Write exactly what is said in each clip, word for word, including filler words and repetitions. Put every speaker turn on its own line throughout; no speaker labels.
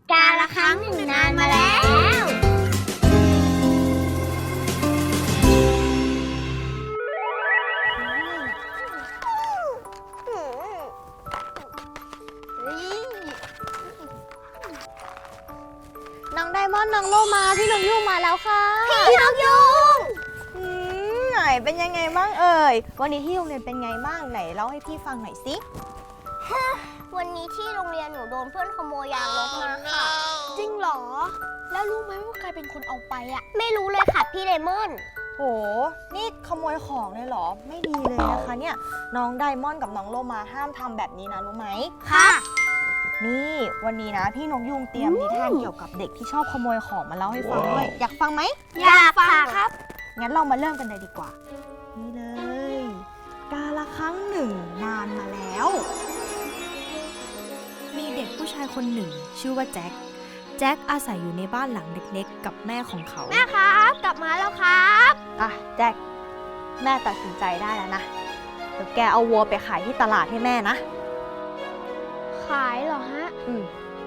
กาละครั้งหนึ่งนานมาแล้ว
น้องไดมอนด์น้องโลมาพี่นกยูงมาแล้วค่ะ
พี่นกยูง
ไหนเป็นยังไงบ้างเอ่ยวันนี้ที่โรงเรียนเป็นไงบ้างไหนเล่าให้พี่ฟังหน่อยสิ
วันนี้ที่โรงเรียนหนูโดนเพื่อนขโมยยางลบมาค่ะ
จริงเหรอแล้วรู้ไหมว่าใครเป็นคนเอาไปอ่ะ
ไม่รู้เลยค่ะพี่เลมอน
โหนี่ขโมยของเลยเหรอไม่ดีเลยนะคะเนี่ยน้องไดมอนด์กับน้องโลมาห้ามทำแบบนี้นะรู้ไหม
ค่ะ
นี่วันนี้นะพี่นกยูงเตรียมนิทานเกี่ยวกับเด็กที่ชอบขโมยของมาเล่าให้ฟังด้วยอยากฟังไหม
อยากฟังครับ
งั้นเรามาเริ่มกันเลยดีกว่านี่เลยกาละครั้งหนึ่งนานมาแล้วมีเด็กผู้ชายคนหนึ่งชื่อว่าแจ็คแจ็คอาศัยอยู่ในบ้านหลังเล็กๆกับแม่ของเขา
แม่ครับกลับมาแล้วครับ
อ่ะแจ็คแม่ตัดสินใจได้แล้วนะเดี๋ยวแกเอาวัวไปขายที่ตลาดให้แม่นะ
ขายเหรอฮะ
อืม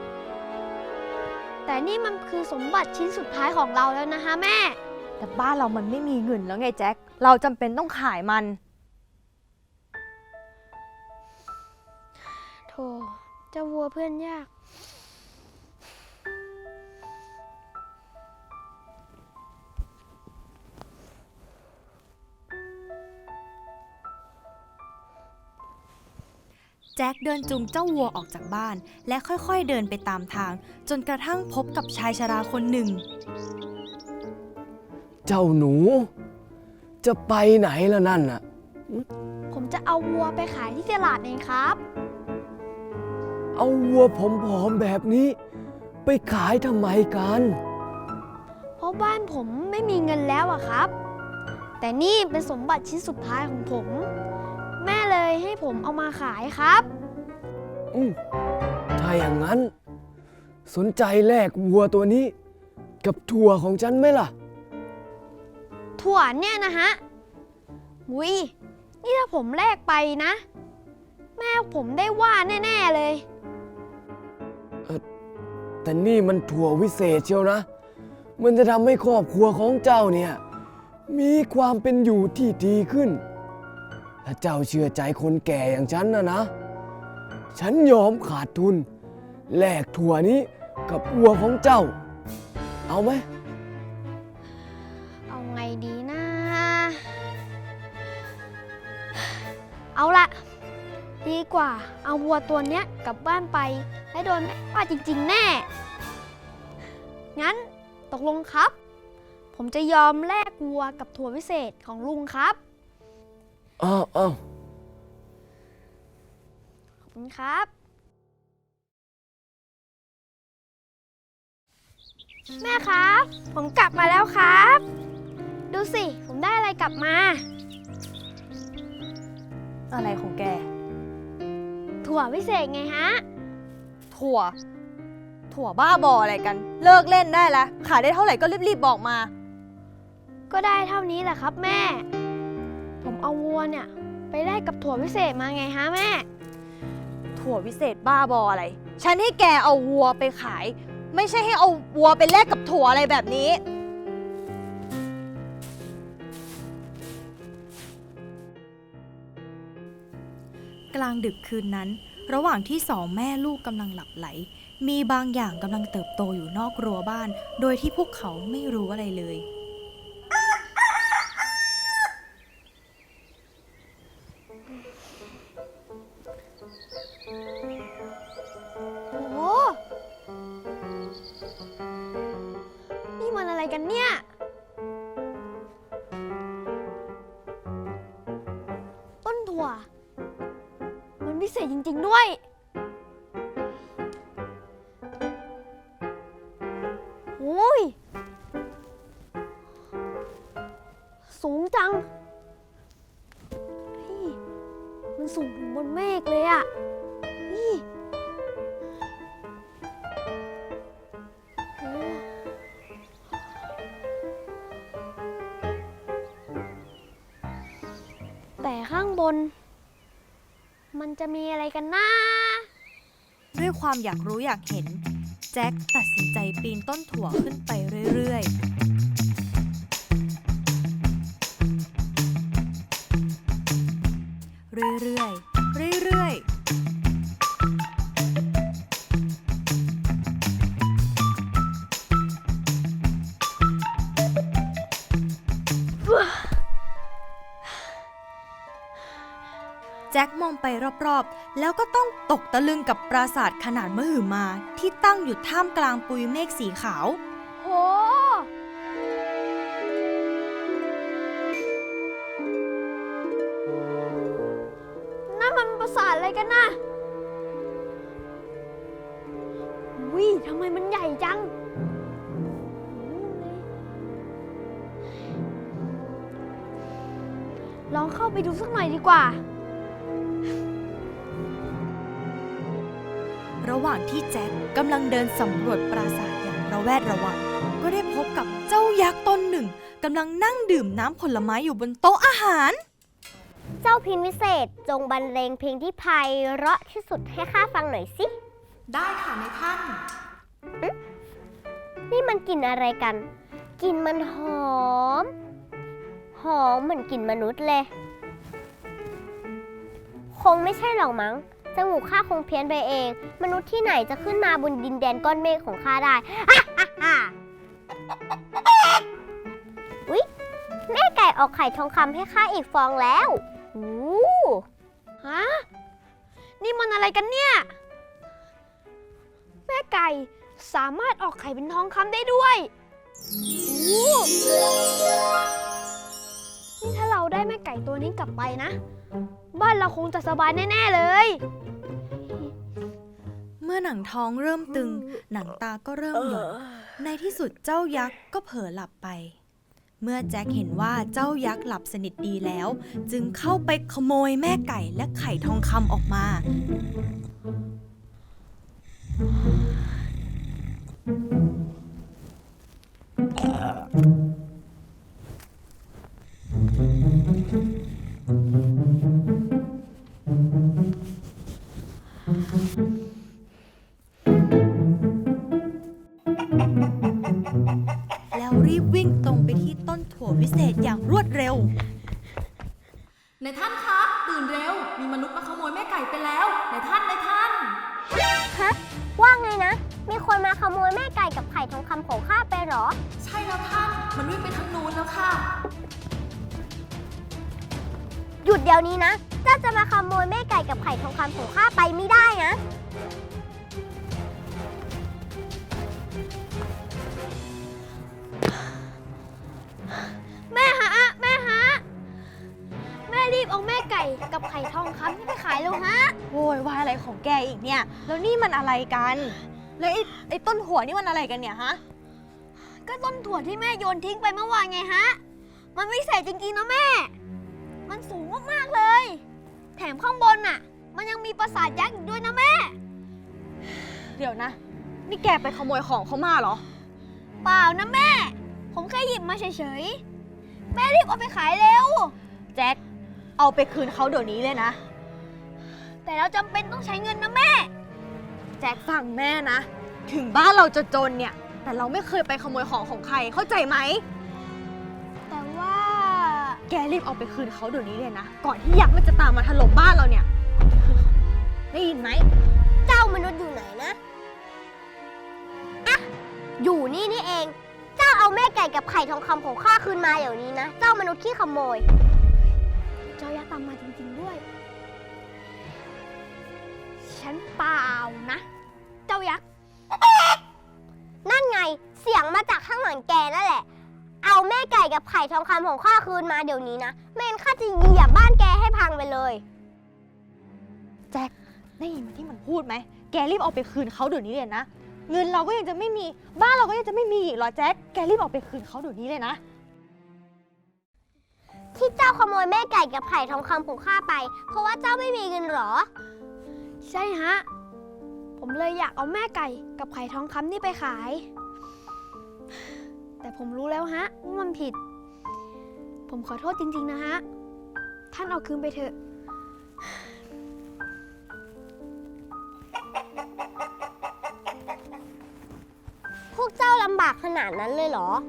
แต่นี่มันคือสมบัติชิ้นสุดท้ายของเราแล้วนะฮะแม่
แต่บ้านเรามันไม่มีเงินแล้วไงแจ็คเราจำเป็นต้องขายมัน
โธ่เจ้าวัวเพื่อนยาก
แจ็คเดินจูงเจ้าวัวออกจากบ้านและค่อยๆเดินไปตามทางจนกระทั่งพบกับชายชราคนหนึ่ง
เจ้าหนูจะไปไหนล่ะนั่นน่ะ
ผมจะเอาวัวไปขายที่ตลาดเองครับ
เอาวัวผอมๆแบบนี้ไปขายทำไมกัน
เพราะบ้านผมไม่มีเงินแล้วอะครับแต่นี่เป็นสมบัติชิ้นสุดท้ายของผมแม่เลยให้ผมเอามาขายครับ
อืมถ้าอย่างนั้นสนใจแลกวัวตัวนี้กับถั่วของฉันไหมล่ะ
ถั่วเนี่ยนะฮะวุ้ยนี่ถ้าผมแลกไปนะแม่ผมได้ว่าแน่ๆเลย
เออแต่นี่มันถั่ววิเศษเชียวนะมันจะทำให้ครอบครัวของเจ้าเนี่ยมีความเป็นอยู่ที่ดีขึ้นถ้าเจ้าเชื่อใจคนแก่อย่างฉันนะนะฉันยอมขาดทุนแลกถั่วนี้กับวัวของเจ้าเอาไหม
เอาไงดีนะเอาละดีกว่าเอาวัวตัวเนี้ยกลับบ้านไปและโดนแม่ว่าจริงๆแน่งั้นตกลงครับผมจะยอมแลกวัวกับถั่ววิเศษของลุงครับ
อ้าวอ้าว
ขอบคุณครับแม่ครับผมกลับมาแล้วครับดูสิผมได้อะไรกลับมา
อะไรของแก
ถั่ววิเศษไงฮะ
ถั่วถั่วบ้าบออะไรกันเลิกเล่นได้แล้วขายได้เท่าไหร่ก็รีบๆบอกมา
ก็ได้เท่านี้แหละครับแม่ผมเอาวัวเนี่ยไปแลกกับถั่ววิเศษมาไงฮะแม่
ถั่ววิเศษบ้าบออะไรฉันให้แกเอาวัวไปขายไม่ใช่ให้เอาวัวไปแลกกับถั่วอะไรแบบนี้กลางดึกคืนนั้นระหว่างที่สองแม่ลูกกำลังหลับไหลมีบางอย่างกำลังเติบโตอยู่นอกรั้วบ้านโดยที่พวกเขาไม่รู้อะไรเลย
โอ้โหนี่มันอะไรกันเนี่ยต้นถั่วมันพิเศษจริงๆด้วยโอ้ยสูงจังมันสูงถึงบนเมฆเลยอะนี่โอ้แต่ข้างบนมันจะมีอะไรกันนะ
ด้วยความอยากรู้อยากเห็นแจ็คตัดสินใจปีนต้นถั่วขึ้นไปเรื่อยๆ เรื่อยๆ เรื่อยๆ แจ็คมองไปรอบๆ แล้วก็ต้องตกตะลึงกับปราสาทขนาดมหึมาที่ตั้งอยู่ท่ามกลางปุยเมฆสีขาว
โห นั่นมันปราสาทอะไรกันนะวิทำไมมันใหญ่จัง ลองเข้าไปดูสักหน่อยดีกว่า
ระหว่างที่แจ็คกำลังเดินสำรวจปราสาทอย่างระแวดระวัง ก็ได้พบกับเจ้ายักษ์ตนหนึ่งกำลังนั่งดื่มน้ำผลไม้อยู่บนโต๊ะอาหาร
เจ้าพินวิเศษจงบรรเลงเพลงที่ไพเราะที่สุดให้ข้าฟังหน่อยสิ
ได้ค่ะนายท่าน
นี่มันกลิ่นอะไรกัน กลิ่นมันหอม หอมเหมือนกลิ่นมนุษย์เลย คงไม่ใช่หรอกมั้งจมูกข้าคงเพี้ยนไปเอง มนุษย์ที่ไหนจะขึ้นมาบนดินแดนก้อนเมฆของข้าได้ อุ๊ย แม่ไก่ออกไข่ทองคำให้ข้าอีกฟองแล้วอู้
ฮะ นี่มันอะไรกันเนี่ย แม่ไก่สามารถออกไข่เป็นทองคำได้ด้วยโอ้นี่ถ้าเราได้แม่ไก่ตัวนี้กลับไปนะ บ้านเราคงจะสบายแน่ๆเลย
เมื่อหนังท้องเริ่มตึง หนังตาก็เริ่มหย่อน ในที่สุดเจ้ายักษ์ก็เผลอหลับไป เมื่อแจ็คเห็นว่าเจ้ายักษ์หลับสนิทดีแล้ว จึงเข้าไปขโมยแม่ไก่และไข่ทองคำออกมา แล้วรีบวิ่งตรงไปที่ต้นถั่ววิเศษอย่างรวดเร็ว
นายท่านคะตื่นเร็ว มีมนุษย์มาขโมยแม่ไก่ไปแล้วนายท่านนายท่าน
ฮะ ว่าไงนะ มีคนมาขโมยแม่ไก่กับไข่ทองคำของข้าไปเหรอ
ใช่แล้วท่านมันวิ่งไปทางนู้นแล้วค่ะ
หยุดเดี๋ยวนี้นะ เจ้าจะมาขโมยแม่ไก่กับไข่ทองคำของข้าไปไม่ได้นะ
แม่ฮะ แม่ฮะ แม่รีบเอาแม่ไก่กับไข่ทองคำนี่ไปขายเร็วฮะ
โวยวายอะไรของแกอีกเนี่ย แล้วนี่มันอะไรกัน แล้วไอ้ไอ้ต้นหัวนี่มันอะไรกันเนี่ยฮะ
ก็ต้นถั่วที่แม่โยนทิ้งไปเมื่อวานไงฮะ มันวิเศษจริงๆนะแม่ มันสูงมากๆเลย แถมข้างบนน่ะ มันยังมีปราสาทยักษ์อีกด้วยนะแม่
เดี๋ยวนะ นี่แกไปขโมยของเขามาเหรอ
เปล่านะแม่ ผมแค่หยิบมาเฉยๆ แม่รีบเอาไปขายเร็ว
แจ็ค เอาไปคืนเขาเดี๋ยวนี้เลยนะ
แต่เราจำเป็นต้องใช้เงินนะแม่
แจ็คฟังแม่นะ ถึงบ้านเราจะจนเนี่ย แต่เราไม่เคยไปขโมยของของใคร เข้าใจไหม
แต่ว่า
แกรีบเอาไปคืนเขาเดี๋ยวนี้เลยนะ ก่อนที่ยักษ์มันจะตามมาถล่มบ้านเราเนี่ย ได้ยินไหม
เจ้ามนุษย์อยู่ไหนนะ อะ อยู่นี่นี่เอง เจ้าเอาแม่ไก่กับไข่ทองคำของข้าคืนมาเดี๋ยวนี้นะ เจ้ามนุษย์ขี้ขโมย
เจ้ายักษ์ตามมาจริงๆด้วย ฉันเปล่านะ เจ้ายักษ์
นั่นไง เสียงมาจากข้างหลังแกนั่นแหละ เอาแม่ไก่กับไข่ทองคำของข้าคืนมาเดี๋ยวนี้นะไม่งั้นข้าจะเหยียบบ้านแกให้พังไปเลย
แจ็ค ได้ยินที่มันพูดไหม แกรีบเอาไปคืนเขาเดี๋ยวนี้เลยนะ เงินเราก็ยังจะไม่มี บ้านเราก็ยังจะไม่มีอีกเหรอแจ็ค แกรีบเอาไปคืนเขาเดี๋ยวนี้เลยนะ
ที่เจ้าขโมยแม่ไก่กับไข่ทองคำของข้าไป เพราะว่าเจ้าไม่มีเงินเหรอ
ใช่ฮะ ผมเลยอยากเอาแม่ไก่กับไข่ทองคำนี่ไปขาย แต่ผมรู้แล้วฮะว่ามันผิด ผมขอโทษจริงๆนะฮะ ท่านเอาคืนไปเถอะ
พวกเจ้าลำบากขนาดนั้นเลยเหรอ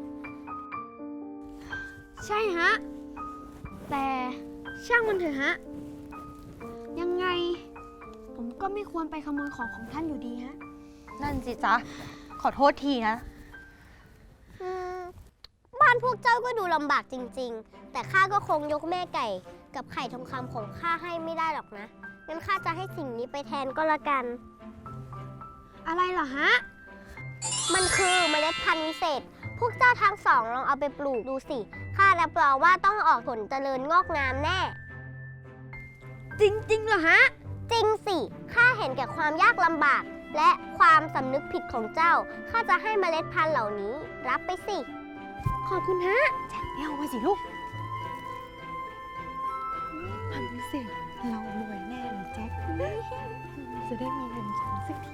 ใช่ฮะ แต่ช่างมันเถอะฮะ ยังไง ผมก็ไม่ควรไปขโมยของของท่านอยู่ดีฮะ
นั่นสิจ๊ะ ขอโทษทีนะ
อืมบ้านพวกเจ้าก็ดูลำบากจริงๆ แต่ข้าก็คงยกแม่ไก่กับไข่ทองคำของข้าให้ไม่ได้หรอกนะ งั้นข้าจะให้สิ่งนี้ไปแทนก็แล้วกัน
อะไรเหรอฮะ
มันคือเมล็ดพันธุ์วิเศษ พวกเจ้าทั้งสองลองเอาไปปลูกดูสิ ข้ารับรองว่าต้องออกผลเจริญงอกงามแน่
จริงๆเหรอฮะ
จริงสิ ข้าเห็นแก่ความยากลำบาก และความสำนึกผิดของเจ้า ข้าจะให้เมล็ดพันธุ์เหล่านี้ รับไปสิ
ขอบคุณฮะ
ไม่เอาไปสิลูกพันพิเศษเรารวยแน่เลยแจ็ค จะได้มีเงินใช้สักที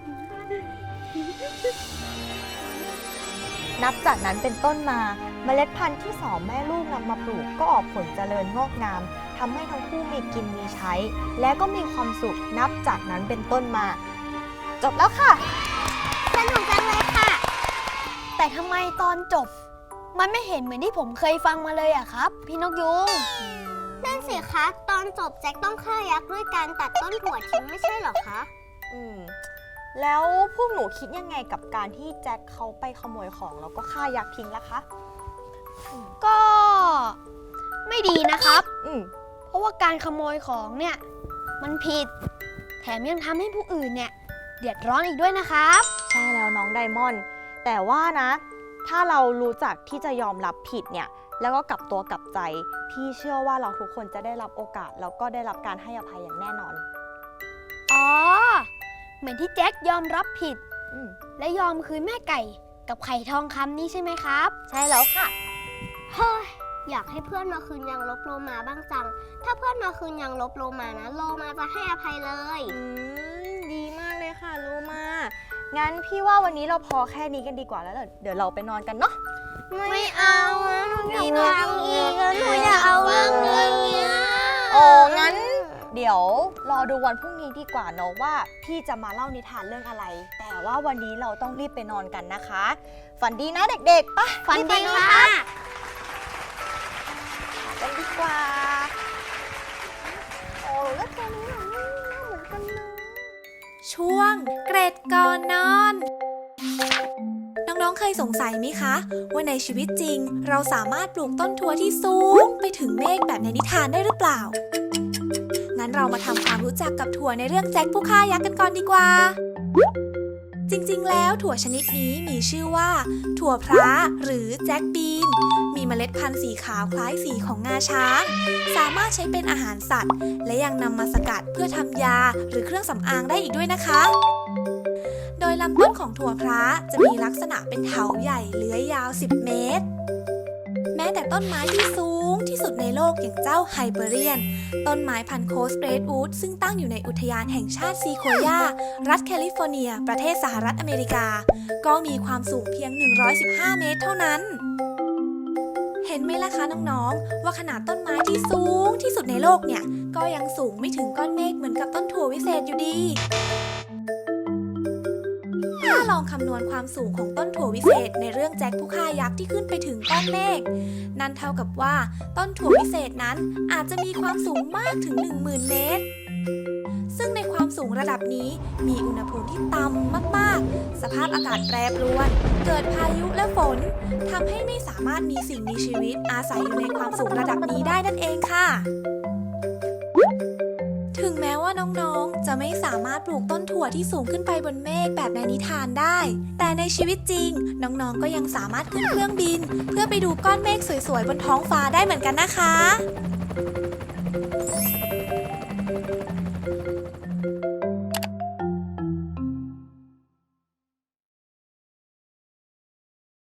นับจากนั้นเป็นต้นมาเมล็ดพันธุ์ที่สองแม่ลูกนำมาปลูกก็ออกผลเจริญงอกงามทำให้ทั้งคู่มีกินมีใช้ และก็มีความสุขนับจากนั้นเป็นต้นมา จบแล้วค่ะ
สนุกจังเลยค่ะ
แต่ทำไมตอนจบ มันไม่เห็นเหมือนที่ผมเคยฟังมาเลยอะครับ พี่นกยุง
นั่นสิคะ ตอนจบแจ็คต้องฆ่ายักษ์ด้วยการตัดต้นถั่วทิ้งไม่ใช่เหรอคะ
อืมแล้วพวกหนูคิดยังไงกับการที่แจ็คเขาไปขโมยของแล้วก็ฆ่ายักษ์ทิ้งล่ะคะ
ก็ไม่ดีนะครับ
อืม
เพราะว่าการขโมยของเนี่ย มันผิด แถมยังทำให้ผู้อื่นเนี่ย เดือดร้อนอีกด้วยนะครับ
ใช่แล้วน้องไดมอนด์แต่ว่านะ ถ้าเรารู้จักที่จะยอมรับผิดเนี่ย แล้วก็กลับตัวกลับใจ พี่เชื่อว่าเราทุกคนจะได้รับโอกาส แล้วก็ได้รับการให้อภัยอย่างแน่นอน
อ๋อ เหมือนที่แจ็คยอมรับผิด
อืม
และยอมคืนแม่ไก่กับไข่ทองคำนี่ใช่ไหมครับ
ใช่แล้วค่ะ
เฮ้ย อยากให้เพื่อนมาคืนยังลบโลมาบ้างจัง ถ้าเพื่อนมาคืนยังลบโลมานะ โลมาจะให้อภัยเลย
อืม ดีมากเลยค่ะโลมา งั้นพี่ว่าวันนี้เราพอแค่นี้กันดีกว่าแล้ว เดี๋ยวเราไปนอนกันเนาะ
ไม่เอาอะหนูอยากฟังอีกอะหนูอยากเอาเรื่องนี้อะ
โอ้งั้น เดี๋ยวรอดูวันพรุ่งนี้ดีกว่าเนาะว่าพี่จะมาเล่านิทานเรื่องอะไร แต่ว่าวันนี้เราต้องรีบไปนอนกันนะคะ ฝันดีนะเด็กๆ ไป
ฝัน
รีบไป
ดี
นอน
ค่ะ
กันดีกว่า โอ้แล้วตอนนี้เราไม่น่าเหมือนกันเลย
ช่วงเกร็ดก่อนนอน น้องๆ เคยสงสัยไหมคะ ว่าในชีวิตจริงเราสามารถปลูกต้นถั่วที่สูงไปถึงเมฆแบบในนิทานได้หรือเปล่า งั้นเรามาทำความรู้จักกับถั่วในเรื่องแจ็คผู้ฆ่ายักษ์กันก่อนดีกว่า จริงๆ แล้วถั่วชนิดนี้มีชื่อว่า ถั่วพระหรือแจ็คบีน มีเมล็ดพันธุ์สีขาวคล้ายสีของงาช้าง สามารถใช้เป็นอาหารสัตว์ และยังนำมาสกัดเพื่อทำยาหรือเครื่องสำอางได้อีกด้วยนะคะ โดยลำต้นของถั่วพระจะมีลักษณะเป็นเถาใหญ่เลื้อยยาวสิบเมตร แม้แต่ต้นไม้ที่สูงที่สุดในโลกอย่างเจ้าไฮเปอเรียน ต้นไม้พันธุ์โคสเรดวูดซึ่งตั้งอยู่ในอุทยานแห่งชาติซีโคยา รัฐแคลิฟอร์เนีย ประเทศสหรัฐอเมริกา ก็มีความสูงเพียง หนึ่งร้อยสิบห้า เมตรเท่านั้น เห็นไหมล่ะคะน้องๆ ว่าขนาดต้นไม้ที่สูงที่สุดในโลกเนี่ย ก็ยังสูงไม่ถึงก้อนเมฆเหมือนกับต้นถั่ววิเศษอยู่ดี ถ้าลองคำนวณความสูงของต้นถั่ววิเศษในเรื่องแจ็คผู้ฆ่ายักษ์ที่ขึ้นไปถึงก้อนเมฆ นั่นเท่ากับว่าต้นถั่ววิเศษนั้นอาจจะมีความสูงมากถึง หนึ่งหมื่น เมตร ซึ่งในความสูงระดับนี้มีอุณหภูมิที่ต่ำมากๆ สภาพอากาศแปรปรวน เกิดพายุและฝนทำให้ไม่สามารถมีสิ่งมีชีวิตอาศัยอยู่ในความสูงระดับนี้ได้นั่นเองค่ะ ถึงแม้ว่าน้องๆ จะไม่สามารถปลูกต้นถั่วที่สูงขึ้นไปบนเมฆแบบในนิทานได้ แต่ในชีวิตจริงน้องๆ ก็ยังสามารถขึ้นเครื่องบิน เพื่อไปดูก้อนเมฆสวยๆ บนท้องฟ้าได้เหมือนกันนะคะ